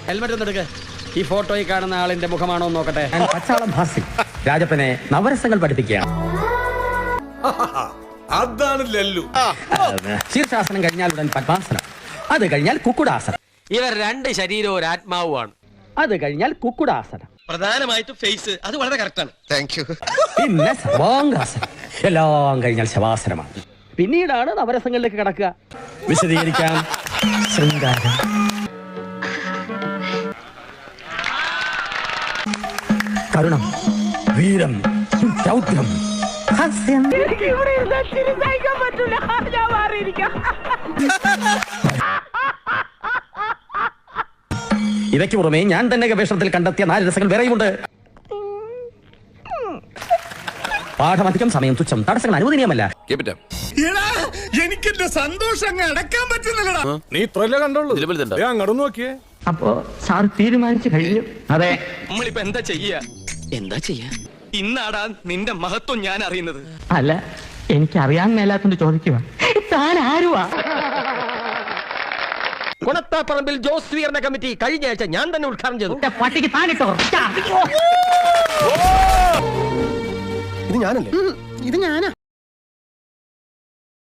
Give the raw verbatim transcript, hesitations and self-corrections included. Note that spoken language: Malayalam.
ഹെൽമെറ്റ് ഒന്ന് എടുക്ക്. ഈ ഫോട്ടോയിൽ കാണുന്ന ആളിന്റെ മുഖമാണോ എന്ന് നോക്കട്ടെ. പച്ചാളം ഭാസി രാജപ്പനെ നവരസങ്ങൾ പഠിപ്പിക്കുകയാണ്. അതാണ് ലല്ലു. ശീർഷാസനം കഴിഞ്ഞാൽ ഉടൻ പദ്മാസനം, അത് കഴിഞ്ഞാൽ കുക്കുടാസനം, ഇവർ രണ്ട് ശരീരവും ഒരു ആത്മാവുമാണ്. അത് കഴിഞ്ഞാൽ കുക്കുടാസനം, പ്രധാനമായിട്ട് ഫേസ് അത് വളരെ കറക്റ്റാണ്. പിന്നെ സർവാംഗാസനം, എല്ലാം കഴിഞ്ഞാൽ ശവാസനമാണ്. പിന്നീടാണ് നവരസങ്ങളിലേക്ക് കടക്കുക. വിശദീകരിക്കാം. ശൃംഗാരം, കരുണം, വീരം, രൗദ്രം, ഹാസ്യം, ഇവയ്ക്ക് പുറമെ ഞാൻ തന്നെ ഗവേഷണത്തിൽ കണ്ടെത്തിയ നാല് രസങ്ങൾ വേറെയുമുണ്ട്. പാഠമധികം, സമയം തുച്ഛം, തടസ്സങ്ങൾ അനുവദനീയമല്ല. എനിക്ക് സന്തോഷം അടക്കാൻ പറ്റുന്നില്ലടാ. നീ ഇത്രല്ലേ കണ്ടോളൂ, അങ്ങോട്ട് നോക്കിയേ. അപ്പോ സാർ തീരുമാനിച്ചു കഴിഞ്ഞു? അതെ. നമ്മളിപ്പോ എന്താ ചെയ്യാ? എന്താ ചെയ്യാ? ഇന്നാടാ നിന്റെ മഹത്വം ഞാൻ അറിയുന്നത്. അല്ല, എനിക്ക് അറിയാൻ മേലാത്തോണ്ട് ചോദിക്കുക. താൻ ആരുവാ? കുണത്താപ്പറമ്പിൽ ജോസ് സ്വീകരണ കമ്മിറ്റി കഴിഞ്ഞ ആഴ്ച ഞാൻ തന്നെ ഉദ്ഘാടനം ചെയ്തു. പട്ടിക്ക് താനിട്ടോ? ഇത് ഞാനല്ലേ? ഇത് ഞാനാ.